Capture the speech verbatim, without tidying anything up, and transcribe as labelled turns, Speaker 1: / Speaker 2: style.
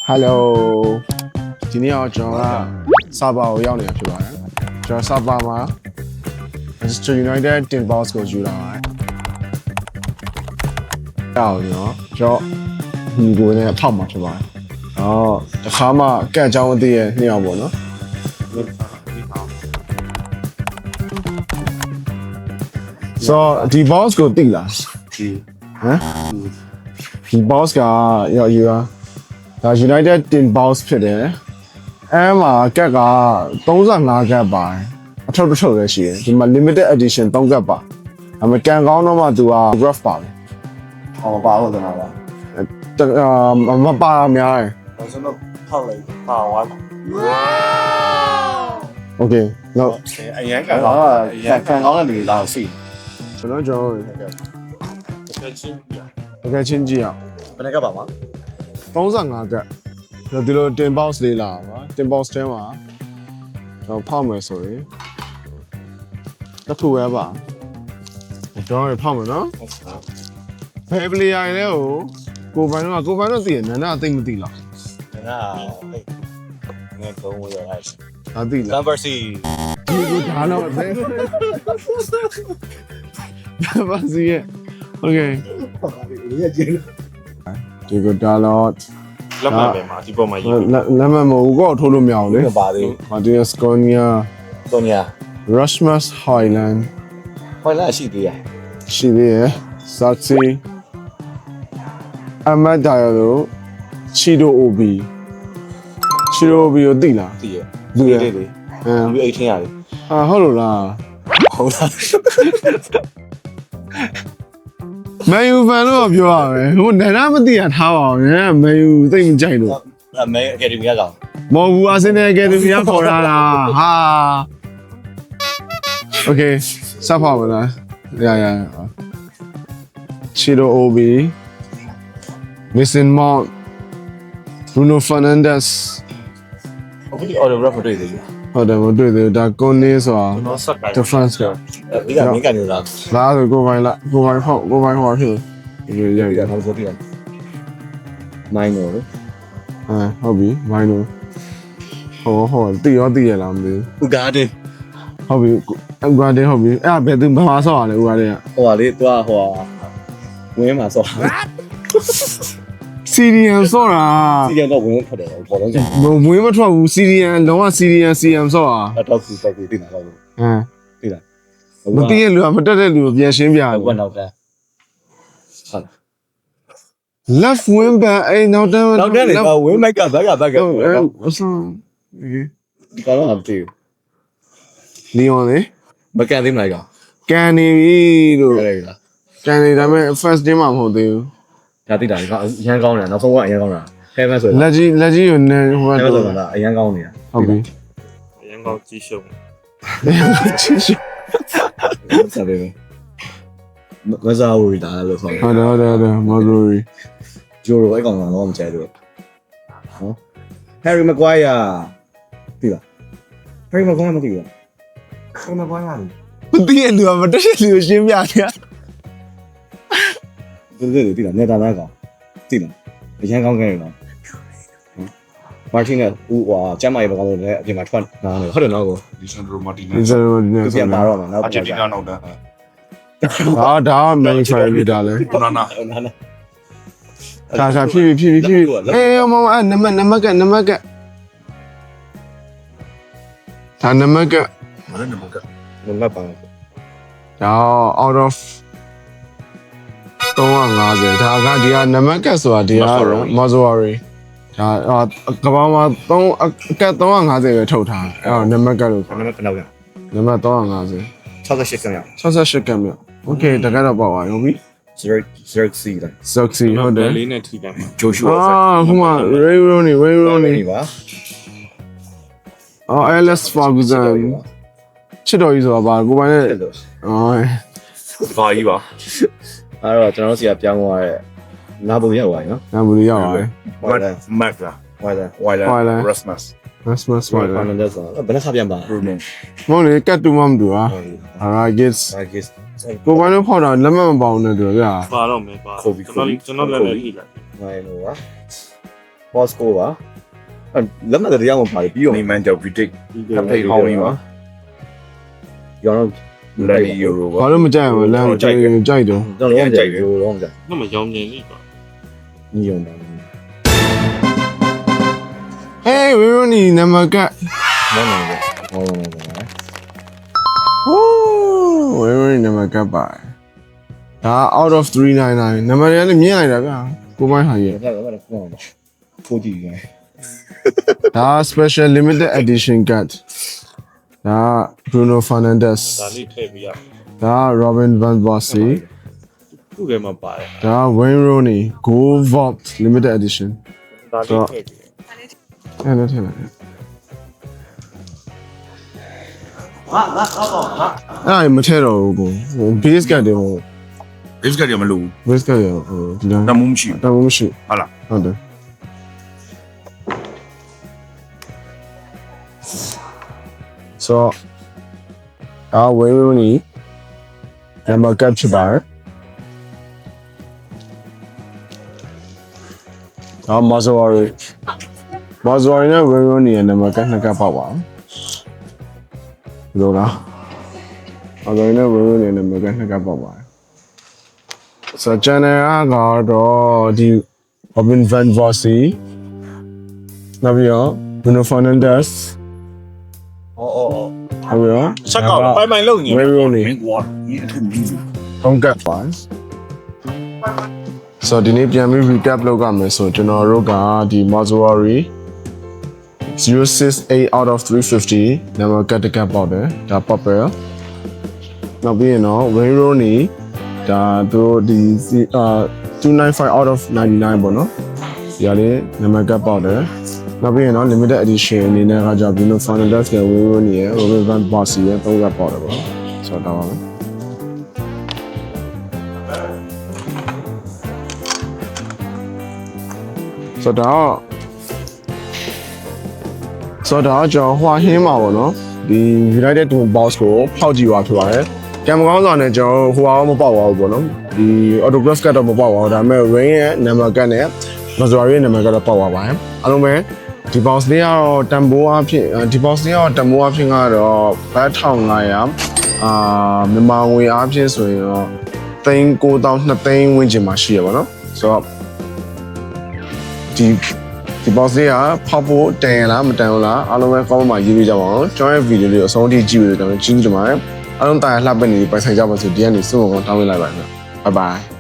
Speaker 1: Hello ဒီနေ့တော့ကျွန်တော်ကစာပါကိုရောက်နေတာဖြစ်ပါတယ်ကျွန်တော်စာပါမှာ Manchester United tin box ကိုယူလာပါတယ်အော်နော်ကျွန်တော်ဒီကိုနဲ့ဖောက်မှာဖြစ်ပါတယ်အော်တခါမှကက်အကြောင်းအသေးရဲ့နှစ်ယောက်ပေါ့နော်ဆိုဒီ box ကိုတိလားဒီဟမ်ဒီ box ကရောယူလာဒါ United tin box ဖြစ်တယ်အဲမှာကက်ကthirty-fiveကက်ပါတယ်အထောက်တစ်ထုပ်လည်းရှိတယ်ဒီမှာ limited edition threeကက်ပါအမေကန်ကောင်းတော့မှသူက graph ပါတယ်ဟောပါဟုတ်တယ်လားအာမပါများတယ်ကျွန်တော်ထောက်လိုက်ပါဝါ Okay တော့အရင်ကန်ကောင်းအရင်ကန်ကောင်းတဲ့လူလာစီကျွန်တော်ကျွန်တော်တကယ်ချင်းကြည့်တကယ်ချင်းကြည့်အောင်ဘယ်နှကက်ပါမှာthirty-fiveကက်ဒီလို tin box လေးလာပါ tin box ထဲမှာတော့ဖောက်မယ်ဆိုရင်တစ်ခုပဲပါတော့ဖောက်မယ်နော်ဘယ်ပလေယာလဲကိုကိုပိုင်တော့ကိုပိုင်တော့သိရနန္ဒအသိမသိလားနန္ဒငါကုန်းဝရလိုက်အသိလား
Speaker 2: Number C
Speaker 1: ဒီကိုဒါတော့ဘယ်ဘာစီရဲ့ Okay ဒီကိုဒါတော့
Speaker 2: လက်မှတ်ပဲမှာဒီပေါ်မှာရေး
Speaker 1: လက်မှတ်မဟုတ်ကောထိုးလို့မရဘူးလေ
Speaker 2: မပါသေးဘူး
Speaker 1: Martinez Konya
Speaker 2: Konya
Speaker 1: Rasmus Højlund
Speaker 2: ဟိုလာရှိသေးရ
Speaker 1: ရှိသေးရယ် Sachi Ahmad Diallo Chido Obi Chido Obi ကိုသိလား
Speaker 2: သိရ
Speaker 1: သိရ
Speaker 2: လေလေ
Speaker 1: အဲ
Speaker 2: လူeighteenရတယ်
Speaker 1: ဟာဟုတ်လို့လား
Speaker 2: ဟုတ်လား
Speaker 1: မန်ယူဖန်လို့ပြောရမယ်ဟိုနန္ဒမသိရထားပါအောင်ညမန်ယူသိမကြိုက်လို့
Speaker 2: အမေအကယ်ဒမီကကောင်
Speaker 1: မဟုတ်ဘူးအာဆင်နယ်အကယ်ဒမီကခေါ်လာတာဟာ Okay စပ်ပါမလားရရ Chido Obi Mason Mount Bruno Fernandes
Speaker 2: အခုဒီ autograph တွေ့သေးတယ်
Speaker 1: ဟုတ်တယ်မတွေ့သေးဘူးဒါကွန်နေဆိုတာ difference က
Speaker 2: ဒီကမင်းကနေလား
Speaker 1: လားဆိုကိုပိုင်လားကိုပိုင်ဟုတ်ကိုပိုင်ဟောဖြစ်တယ်ရရရ
Speaker 2: နောက်ဆိုပြရ minor
Speaker 1: အဲဟုတ်ပြီ minor ဟောဟောတီရောတီရလားမသိဘူး
Speaker 2: ဥကားတင်
Speaker 1: ဟုတ်ပြီဥကားတင်ဟုတ်ပြီအဲ့ဘယ်သူဘာဆော့ရလဲဥကားတင်က
Speaker 2: ဟိုပါလေသူကဟိုဝင်းမှာဆော့
Speaker 1: စီရီယန်ဆော့တာ
Speaker 2: စီရီယန်တော့ဝင်းထွက်တယ်ပေါ်တော့ကျန်
Speaker 1: မဝင်းမထွက်ဘူးစီရီယန်လုံးဝစီရီယန်စီယန်ဆော့တာ
Speaker 2: တော့ကူတော့ကူတင်တာတော့ဟမ်သိလား
Speaker 1: မသိရလူကမတက်တဲ့လူကိုပြန်ရှင်းပြတယ်
Speaker 2: ဘယ်နောက်တန်းဟုတ်
Speaker 1: left wing back အဲ့နောက်တန်း
Speaker 2: နောက်တန်းလေဝင်းမိုက်ကဘက်ကဘက်က
Speaker 1: ဟုတ်အဲ့အဆန်
Speaker 2: ဒီကတော့မသိဘူး
Speaker 1: လီယွန်လေ
Speaker 2: မကန်သေးမလားကောင်
Speaker 1: ကန်နေပြီလို့
Speaker 2: ဟုတ်တယ်လား
Speaker 1: ကန်နေဒါပေမဲ့ first day မှာမဟုတ်သေးဘူး
Speaker 2: ဒါသိတာဒီကောင်အရန်ကောင်းတယ်နောက်ဆုံးကအရန်ကောင်းတာဟဲမန်ဆို
Speaker 1: လက်ကြီးလက်ကြီးကိုနေဟို
Speaker 2: ကတော့လားအရန်ကောင်းနေတာ
Speaker 1: ဟုတ်ပြီ
Speaker 2: အရန်ကောင်းကြီးရှုံ
Speaker 1: ကြီးရှုံ
Speaker 2: ဆက်ပဲမစားဘူးဒါလို့ဆို
Speaker 1: ဟုတ်တယ်ဟုတ်တယ်ဟုတ်တယ်မော်ဂရီ
Speaker 2: ဂျိုရိုအဲ့ကောင်ကတော့မကြိုက်ဘူးဟော Harry Maguire ပြီလား Harry Maguire မသိဘူး Harry Maguire
Speaker 1: မသိရလူကမတက်တဲ့လူကိုရှင်းပြနေတာ
Speaker 2: ဒီလိုဒီလားနေတာလားကောင်သိလားအရန်ကောင်းခဲ့တယ်နော်မာတင်နယ်ဦးဟွာကျမ်းမာရေးဘကောင်လို့လည်းအပြင်မှာထွက်လာတယ်ဟုတ်တယ်နော်ကို
Speaker 3: ဒီစန်ဒရိုမာတီနက်
Speaker 1: ဒီစန်ဒရိုမာတီနက်
Speaker 2: ပြန်လာတော့မှာနောက်
Speaker 3: အာဂျင်တီးနားနောက်တန်း
Speaker 1: ဟာဒါကမန်ချာရီဒါလေ
Speaker 3: နာနာ
Speaker 1: ဒါသာဖြည်းဖြည်းဖြည်းဖြည်းအေးမမနမနမကနမကဒါနမက
Speaker 3: မလည်းနမက
Speaker 2: နမပါ
Speaker 1: ဒါ out of three fiftyဒါကဒီကနမကဆိုတာဒီကမော်ဇဝရီဒါကဘာမှာ3အကက်three fiftyပဲထုတ်ထားအဲ့တော့နမကလို့
Speaker 2: နမဘယ်လောက်ရ
Speaker 1: နမthree fifty
Speaker 2: sixty-eightကံရ
Speaker 1: sixty-eightကံမြောက် Okay တကယ်တော့ပေါ့ပါရောပြီ
Speaker 2: zero zero C လား
Speaker 1: Soxy ဟုတ်တယ်
Speaker 2: လေးနဲ့ထိတယ်ဂျိုရှူအာ
Speaker 1: ဟိုမှာ Ray Rooney Ray Rooney
Speaker 2: ပါ
Speaker 1: အော် Alex Ferguson ချစ်တော်ကြီးဆိုတာပါကိုပိုင်နဲ့အော်
Speaker 2: ဘာကြီးပါအဲ့တော့ကျွန်တော်တို့စီကပြောင်းသွားတဲ့နာဘူရောက်သွားပြီနော်
Speaker 1: နာဘူရောက်သွားပြီ
Speaker 3: မက်လာ
Speaker 2: ဝိုင်လာ
Speaker 3: ဝိုင်လာ Rasmus
Speaker 1: Rasmus Højlund
Speaker 2: ဘယ်နဲ့ခပြန်ပါ
Speaker 3: Bruno
Speaker 1: မဟုတ်လေကတ်တူမမတူอ่ะ I guess
Speaker 2: I guess
Speaker 1: ကိုပိုင်တို့ဖောက်တာလက်မမပေါအောင်နဲ့တူဗျာ
Speaker 2: ပါတော့မယ်ပါကျွန်တော်ကျွန်တော်လည်းလည်းကြည့်လိုက်နိုင်လို့ပါ Bosco ပါလက်မှတ်တရားမှပါတယ်ပြီးတော့
Speaker 3: နေမန်ဂျော်ဗီတစ်အဖေဟောင်းကြီးပါ
Speaker 2: ရောင်း
Speaker 3: လန်ယူရို
Speaker 1: ဘာ
Speaker 3: ပါ
Speaker 1: လို့မကြိုက်ဘူးလမ်းကြိုက်ကြိုက်တော့
Speaker 2: ကျွန်တော်လုံးကြိုက်တယ်လုံးကြိုက်
Speaker 4: 那么妖孽力吧？
Speaker 2: ညီယုံပါ
Speaker 1: ဟေးဝီရိုနီနံပါတ်က
Speaker 2: မောင်းနေတယ်ဟောလုံးကြိုက်
Speaker 1: ဟိုးဝီရိုနီနံပါတ်ကပါဒါ out of three ninety-nineနံပါတ်ရလည်းမြင်လိုက်တာဗျာကိုမိုင်းဟာရဲ့
Speaker 2: တယ်ဒါကတော့ကောင်းပါဖိုးကြည့်ရ
Speaker 1: ဒါ special limited edition card ဒါ Bruno Fernandes
Speaker 4: 哪里配不一样？
Speaker 1: ဒါ Robin van Persie
Speaker 4: 不给嘛白，
Speaker 1: ဒါ Wayne Rooney Gold Vault limited edition
Speaker 4: 哪里配不一样？
Speaker 1: အဲ့ဒါထည့်လိုက်ဟာငါတော့အဲ့မထဲတော့ဘူးကိုဟို base card တွေဟို
Speaker 3: ဘစ်ကတ်ရမလို့
Speaker 1: base card တွေဟိုဒီလား
Speaker 3: တမှုမရှိ
Speaker 1: တမမရှိ
Speaker 3: ဟုတ်လား
Speaker 1: ဟုတ်တယ်ဆိုအာဝေးရိုနီနံပါတ်ကပ်ချပါအာမဇဝရီမဇဝရီနဲ့ဝေးရိုနီရဲ့နံပါတ်ကနှစ်ကပ်ပေါက်ပါဘယ်လိုလားမဇဝရီနဲ့ဝေးရိုနီရဲ့နံပါတ်ကနှစ်ကပ်ပေါက်ပါဆိုတော့ channel ကတော့ဒီ Robin van Persie နောက်ပြီးတော့ Bruno Fernandes
Speaker 2: အော်အော်
Speaker 1: နောက်ပြီးတော့
Speaker 4: 上稿了，白买漏你
Speaker 1: ဝေး。ရိုနီ
Speaker 3: မင်းကွာဒီအထုပ်ကြီး
Speaker 1: ဟုတ်ကဲ့ပါဆိုတော့ဒီနေ့ပြန်ပြီး recap လုပ်ရမယ်ဆိုကျွန်တော်တို့ကဒီ Mazzari zero six eight out of three fifty နံပါတ်ကတ်တကတ်ပေါက်တယ်ဒါ purple နောက်ပြီးရင်တော့ Wayne Rooney ဒါသူဒီအာtwo ninety-five out of ninety-nine ပေါ့နော်ဒီကလေးနံပါတ်ကတ်ပေါက်တယ်နောက်ပြီးရင်တော့ limited edition အနေနဲ့ကကြောင့် Bruno Fernandes ရဲ့ Wayne Rooney ရဲ့ Robin van Persie ရဲ့သုံးကတ်ပေါက်တယ်ပေါ့ဆိုတော့ဒါပါပဲဆိုတော့ဆိုတော့ကျွန်တော်ဟွာဟင်းမှာပေါ့နော်ဒီ United Team Box ကိုဖောက်ကြည့်ပါဖြစ်ပါတယ်ကံမကောင်းစွာနဲ့ကျွန်တော်ဟိုအောင်မပေါက်ပါဘူးပေါ့နော်ဒီ autograph ကတော့မပေါက်ပါဘူးဒါပေမဲ့ Rain ရဲ့ number ကတ်နဲ့ Mazzari ရဲ့ number ကတော့ပေါက်ပါပါတယ်အားလုံးပဲဒီ box လေးကတော့တန်ဖိုးအဖြစ်ဒီ box လေးကတော့တန်ဖိုးအဖြစ်ကတော့ဘတ်one thousand five hundredအာမြန်မာငွေအဖြစ်ဆိုရင်တော့သိန်းnine thousand twoသိန်းဝန်းကျင်မှာရှိရပါတော့ဆိုတော့ဒီဒီ box လေးကဖောက်ဖို့တန်ရလားမတန်ဘူးလားအားလုံးပဲ comment မှာရေးပေးကြပါဦးကျွန်တော်ရဲ့ video လေးကိုအဆုံးထိကြည့်ပြီးတော့ကျွန်တော်ကျေးဇူးတင်ပါတယ်အားလုံးတားရလှပနေပြီးပိုင်ဆိုင်ကြပါစို့ဒီကနေ့စုံကောင်တောင်းပေးလိုက်ပါမယ် bye bye